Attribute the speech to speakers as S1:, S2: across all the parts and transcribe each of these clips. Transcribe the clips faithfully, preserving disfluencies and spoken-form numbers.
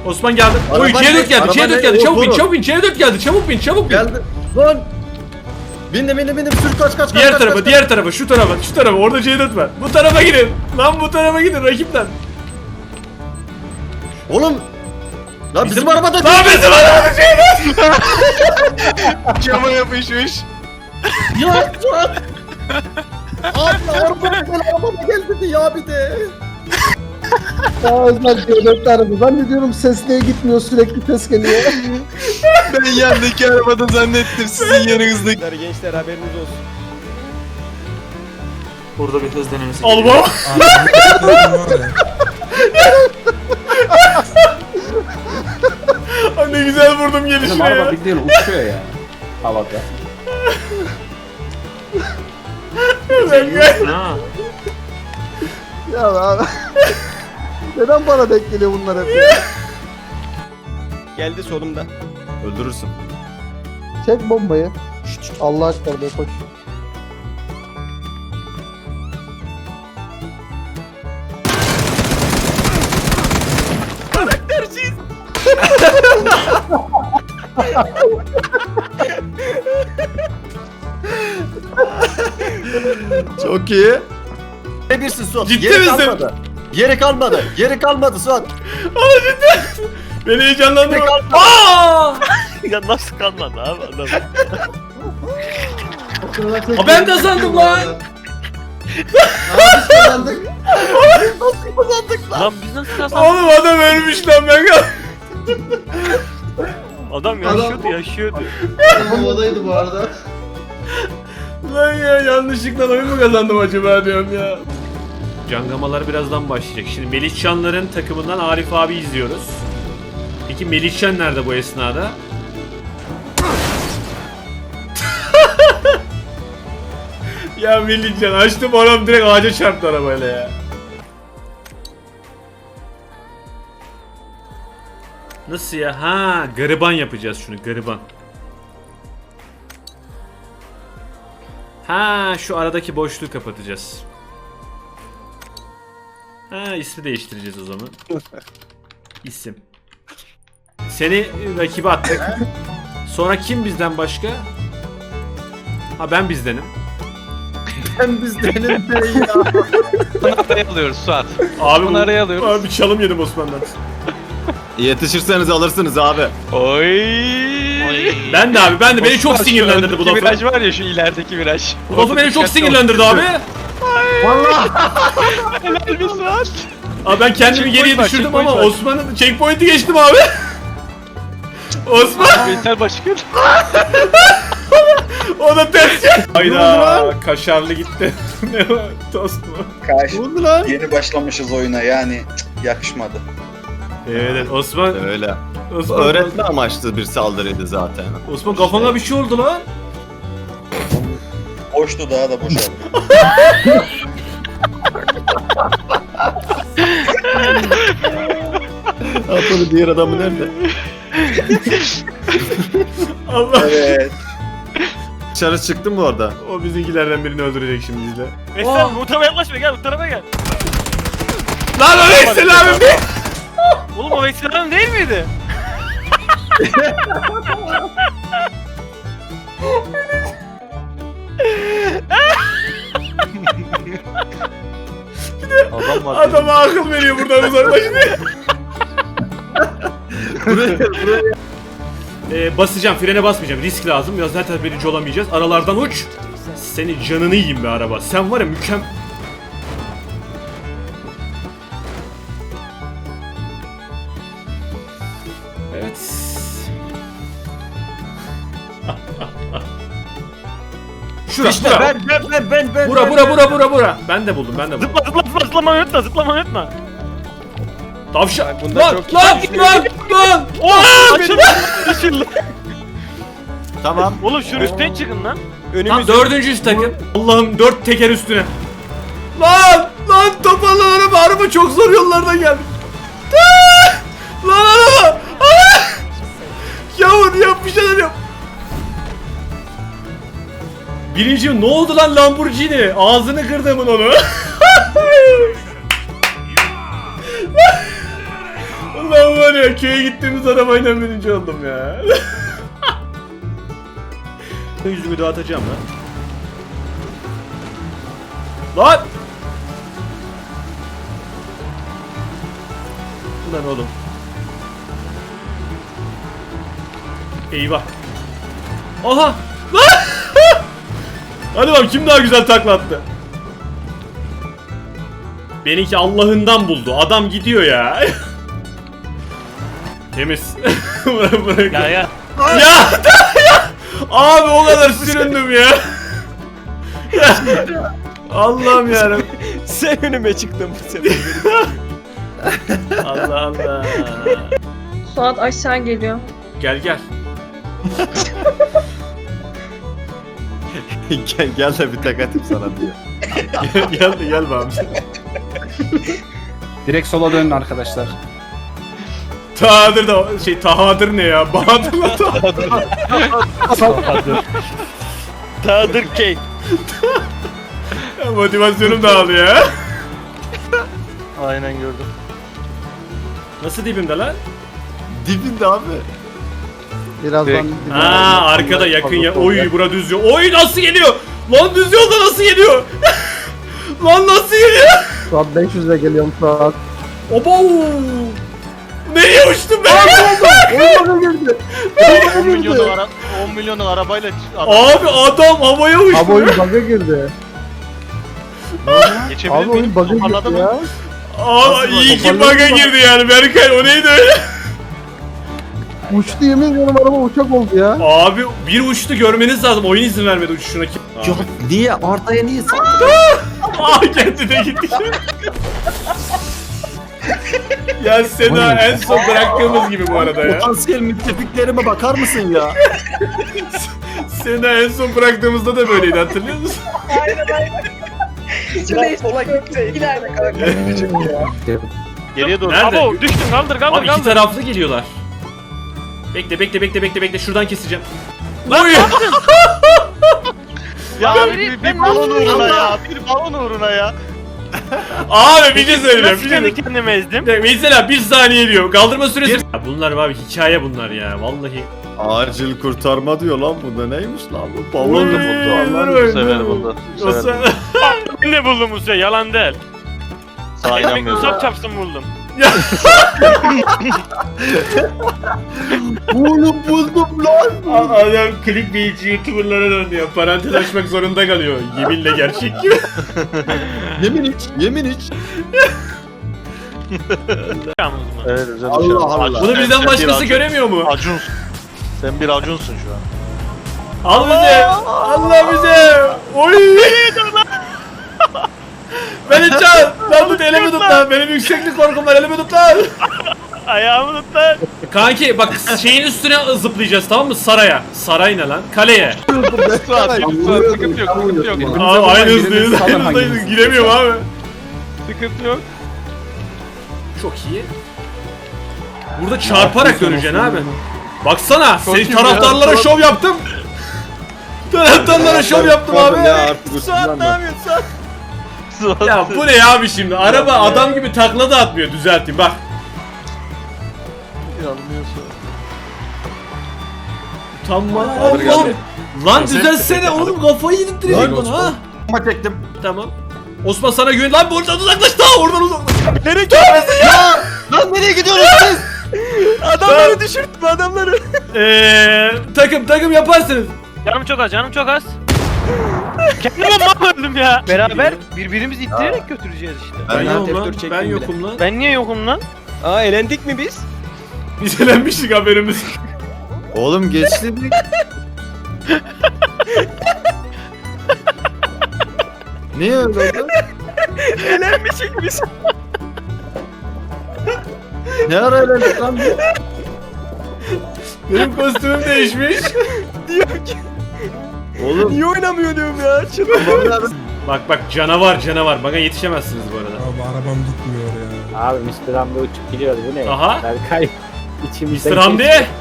S1: Osman geldi.
S2: Araba
S1: Oy C dört
S2: ne?
S1: geldi.
S2: Araba
S1: C dört
S2: ne?
S1: geldi.
S2: Oğlum,
S1: Çabuk bin,
S2: durun.
S1: çabuk bin. C dört geldi. Çabuk bin, çabuk bin.
S2: Geldi. Lan. Bindim bindim bindim. Sür kaç kaç
S1: Diğer
S2: kaç
S1: tarafa,
S2: kaç,
S1: diğer tarafa, şu tarafa, şu tarafa. Orada C dört var. Bu tarafa gidin. Lan bu tarafa gidin rakipten.
S2: Oğlum. Lan bizim, arabada
S1: Lan bizim arabada C dört.
S3: Cama yapışmış.
S2: Ya Suat. Abi arabama gel arabama gel dedi ya bir de.
S4: Ya Özlem C dört araba. Zannediyorum ses niye gitmiyor, sürekli ses geliyor.
S3: Ben yandaki arabada zannettim sizin yanınızdaki.
S2: Gençler haberiniz olsun.
S5: Burada bir hız denemesi.
S1: Al baba. Ay ne güzel vurdum gelişine
S5: Araba
S1: ya.
S5: bildiğin uçuyor ya. Havada.
S1: Lan gel.
S5: Ha.
S4: Ya abi. Neden bana denk geliyor bunlar hep ya?
S2: Geldi solumda. Öldürürsün.
S4: Çek bombayı. Allah aşkına be koş.
S2: Çok iyi. Ne birsin Suat?
S1: Ciddi
S2: Yeri
S1: misin?
S2: kalmadı. Yeri kalmadı. Yeri kalmadı Suat.
S1: Beni heyecanlandırma.
S2: Ne kaldı?
S1: Aaa!
S6: Ya nasıl kalmadı abi adam?
S1: Aa, ben kazandım lan.
S6: Lan biz nasıl kazandık?
S1: Oğlum adam ölmüş lan ben kazandım.
S6: Adam yaşıyordu yaşıyordu.
S4: Havadaydı bu arada.
S1: Lan ya yanlışlıkla oyun mu kazandım acaba diyorum ya. Cangamalar birazdan başlayacak. Şimdi Melihcanların takımından Arif abi izliyoruz. Peki Melihcan nerede bu esnada? Ya Melihcan açtım oğlum direkt ağaca çarptı arabayla ya. Nasıl ya? Ha, gariban yapacağız şunu, gariban. Ha, şu aradaki boşluğu kapatacağız. Ha, ismi değiştireceğiz o zaman. İsim. Seni rakibe attık. Sonra kim bizden başka? Ha, ben bizdenim.
S2: Ben bizdenim de ya.
S3: Bunu araya alıyoruz Suat.
S1: Abi
S3: Bunu araya alıyoruz.
S1: Abi bir çalım yedim Osman'dan.
S2: Yetişirseniz alırsınız abi.
S3: Oy.
S1: Ben de abi, ben de beni çok
S3: Osman, şu
S1: sinirlendirdi bu
S3: öndeki
S1: lafı.
S3: viraj var ya şu ilerideki viraj.
S1: Bu lafı beni çok sinirlendirdi abi.
S3: Helal bir Suat.
S1: Abi ben kendimi
S3: Checkpoint
S1: geriye
S3: var,
S1: düşürdüm
S3: checkpoint
S1: ama
S3: var.
S1: Osman'ın checkpoint'i geçtim abi. Osman
S3: Veysel Başkan.
S1: o da ters ya. Hayda kaşarlı gitti. Ne o? Tost mu?
S7: Karşı
S2: Oldu lan.
S7: yeni başlamışız oyuna yani cık, yakışmadı.
S1: Evet Osman.
S2: Öyle.
S1: Osman,
S2: Öğretme amaçlı bir saldırıydı zaten.
S1: Osman kafana bir şey oldu lan.
S7: Boştu daha da boşaldı.
S2: Atladı diğer adamı nerede?
S1: Allah.
S7: Evet.
S2: Dışarı çıktın mı orada?
S1: O bizimkilerden birini öldürecek şimdi izle.
S6: Veysel bu tarafa yaklaşma gel bu tarafa gel.
S1: Lan o Veysel abi mi?
S6: Oğlum o Veysel adam değil miydi?
S5: Adam var.
S1: Adama akıl veriyor buradan uzaklaşın diye. Ee, basacağım, frene basmayacağım. Risk lazım. Ya zaten birinci olamayacağız. Aralardan uç. Seni canını yiyeyim be araba. Sen var ya mükem... Evet. Şura,
S2: İşte
S1: bura.
S2: ben ben ben ben ben.
S1: Bura,
S2: ben,
S1: bura,
S2: ben.
S1: bura, bura, bura. Ben de buldum, ben de buldum.
S6: Zıpla zıpla zıpla zıplamayı unutma zıplamayı unutma.
S1: Tavşan.
S2: bunda
S1: Lan,
S2: çok-
S1: lan, lan, lan.
S6: Oha açıldı açıldı.
S2: Tamam.
S6: Oğlum şunun üstüne çıkın lan.
S1: Tam dördüncü takım. Allah'ım dört teker üstüne. Lan! Lan toparlan araba, araba çok zor yollardan geldi. Aa! Lan araba! Aa! Yavur yap bir şeyler yap. Birinci ne oldu lan Lamborghini? Ağzını kırdımın onu. Ulan var ya. ya köye gittiğimiz arabayla birinci oldum ya. Yüzümü dağıtacağım lan. Lan! Lan oğlum. Eyvah. Aha! Lan! Hadi bakalım kim daha güzel takla attı? Benimki Allah'ından buldu. Adam gidiyor ya. Temiz. Bırak bırak.
S6: Ya ya.
S1: Ya, ya! Abi o kadar süründüm ya. Ya. Allah'ım yarabbim.
S2: Sen önüme çıktın bu sefer.
S1: Allah Allah.
S8: Suat aşağı geliyor.
S1: Gel gel.
S2: gel, gel de bir tek atayım sana diyor.
S1: Gel gel de gel abi.
S5: Direkt sola dönün arkadaşlar.
S1: Tahadır da şey Tahadır ne ya? Bahadır'la Tahadır.
S6: Tadır key.
S1: Motivasyonum dağılıyor ya.
S6: Aynen gördüm.
S1: Nasıl dibimde lan?
S2: Dibinde abi.
S4: Birazdan...
S1: Aa arkada yakın ya. Oy bura düz yol. Oy nasıl geliyor? Lan düz yolda nasıl geliyor? Lan nasıl geliyor?
S4: Suat beş yüze geliyorum Suat.
S1: Oba! Nereye uçtum ben?
S4: Oyun girdi.
S6: on milyonluk ara on milyonluk arabayla
S1: Abi adam havaya uçtu.
S4: Abi oyun bug'a girdi.
S6: geçebilir
S4: Abi oyun bug'a girdi ya.
S1: Aa iyi ki bug'a girdi yani Berkay o neydi öyle?
S4: Uçtu yemin ediyorum araba uçak oldu ya.
S1: Abi bir uçtu görmeniz lazım oyun izin vermedi uçuşuna kim?
S2: Ya niye? Arda'ya niye saldın?
S1: Aa kendine gitti. Ya Seda en son bıraktığımız gibi bu arada ya.
S2: Potansiyel müttefiklerime bakar mısın ya?
S1: Seda en son bıraktığımızda da böyleydi hatırlıyor musun?
S8: Biraz sola gitti.
S6: geriye doğru.
S1: Nerede?
S6: Abo düştün kaldır kaldır
S1: Abi iki
S6: kaldır.
S1: taraflı geliyorlar. Bekle bekle bekle bekle bekle şuradan keseceğim. Oy!
S6: Ya bir, bir, bir balon uğruna ya. Bir balon uğruna ya.
S1: Abi bir şey söyleyeceğim.
S6: Nasıl
S1: Bir şey
S6: kendi kendime ezdim?
S1: Mesela bir saniye diyor. Kaldırma süresi. Ya bunlar abi hikaye bunlar ya vallahi.
S2: Acil kurtarma diyor lan bu da neymiş lan bu?
S1: Oy,
S2: Balon da buldu Allah'ım.
S1: oy,
S6: Bu sefer
S1: oy.
S6: buldu. Bu
S1: O
S6: sefer
S1: sen-
S6: Ben de buldum Musa yalan değil.
S3: Sağ
S6: Ekmek
S3: inanmıyorum.
S6: musab çapsın buldum.
S2: Oğlum buldum lan.
S1: A- Adam clickbait youtuberlara döndü ya. Parantez açmak zorunda kalıyor. Yeminle gerçek gibi.
S2: Yemin iç, yemin iç.
S3: Evet güzel
S2: Allah Allah.
S1: Bunu bizden başkası göremiyor mu?
S3: Acunsun. Sen bir acunsun şu an.
S1: Al bize. Allah bize. Oy. Beni çal. Lan tut elimi tut lan. Benim yükseklik korkum var elimi tut lan.
S6: Ayağımı tut lan.
S1: Kanki bak şeyin üstüne zıplayacağız tamam mı? Saraya. Saray ne lan? Kaleye.
S6: Sıkıntı yok sıkıntı yok.
S1: Abi aynı hızdayız. Aynı hızdayız. Giremiyorum abi.
S6: Sıkıntı yok.
S1: Çok iyi. Burada çarparak döneceksin abi. Baksana. Senin taraftarlara şov yaptım. Taraftarlara şov yaptım abi.
S2: Ya artık Suat ne yapıyorsun?
S1: Ya bu ne abi şimdi? Araba adam gibi takla da atmıyor. Düzelteyim bak. Tamam. Allah'ım. Lan düzelsene oğlum kafayı yedirttirecek bana ha.
S2: Ama çektim.
S1: Tamam. Osman sana güven. Lan buradan uzaklaş daha oradan uzaklaş.
S2: Nereye gidiyorsun ya? Lan nereye gidiyorsunuz siz?
S1: Adamları
S2: düşürttüm adamları.
S1: Eee takım takım yaparsınız.
S6: Canım çok az canım çok az. Kendime mal öldüm ya. Beraber birbirimizi ittirerek götüreceğiz işte.
S1: Ben,
S2: Ben
S1: yokum lan.
S2: F dört çektim
S1: Ben
S2: bile.
S1: yokum lan.
S6: Ben niye yokum lan?
S2: Aa elendik mi biz?
S1: Biz elenmiştik haberimiz.
S2: Oğlum geçti. Niye öyle oldu?
S6: Elenmişik biz.
S2: Ne ara elendik lan biz?
S1: Benim kostümüm değişmiş.
S2: Oğlum.
S6: Niye oynamıyor diyorum ya.
S1: Bak bak canavar canavar. Bana yetişemezsiniz bu arada.
S9: Abi arabam gitmiyor ya.
S5: Abi mister Hamdi uçup gidiyor bu ne?
S1: Aha.
S5: Berkay içimizden
S1: mister Hamdi.
S5: geçti.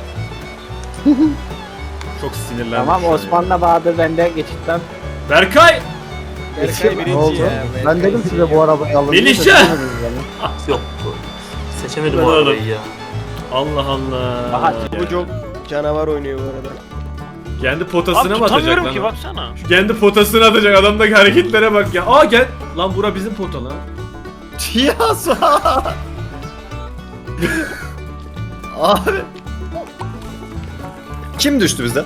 S1: Çok sinirlendim.
S5: Tamam
S1: şu an ya.
S5: Osman'la Bahadır benden geçitten.
S1: Berkay.
S4: Ne oldu? Ben dedim size bu arabayı alın.
S1: Melihcan.
S5: Yok.
S1: Seçemedim o arabayı
S5: ya.
S1: Allah Allah.
S5: Aha,
S2: Bu çok canavar oynuyor bu arada.
S1: Kendi potasına
S6: Abi
S1: mı atacak
S6: tutamıyorum
S1: lan?
S6: ki
S1: o?
S6: baksana.
S1: Kendi potasına atacak, adamdaki hareketlere bak ya. Aa gel. Lan bura bizim pota lan.
S2: Ya Suat. Abi. Kim düştü bizden?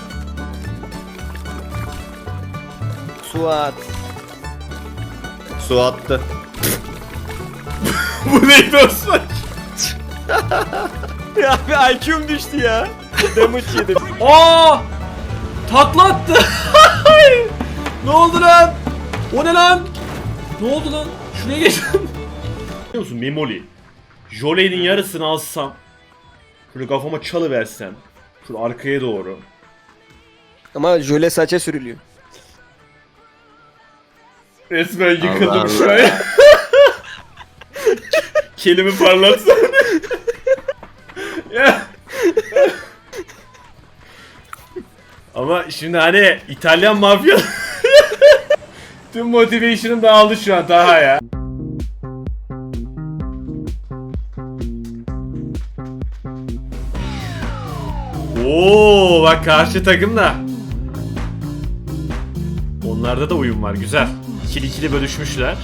S2: Suat. Suat'tı.
S1: Bu neydi Osman?
S2: Ya bir I Q'm düştü ya. Damage yedim.
S1: Aa! Takla attı. Ne oldu lan? O ne lan? Ne oldu lan? Şuraya geç. Biliyor musun Memoli? Jole'nin yarısını alsam, şöyle kafama çalıversem, şöyle arkaya doğru.
S2: Ama jöle saça sürülüyor.
S1: Resmen yıkıldım
S2: Allah
S1: şu an. Kelimi parlatsana. Ya. Ama şimdi hani İtalyan mafya tüm motivation'ım dağıldı şu an daha ya. Oo bak karşı takım da. Onlarda da uyum var, güzel. İkili ikili bölüşmüşler.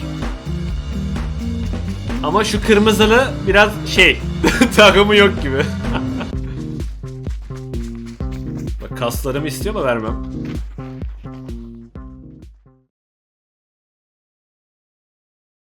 S1: Ama şu kırmızılı biraz şey takımı yok gibi. Bak kaslarımı istiyor ama vermem.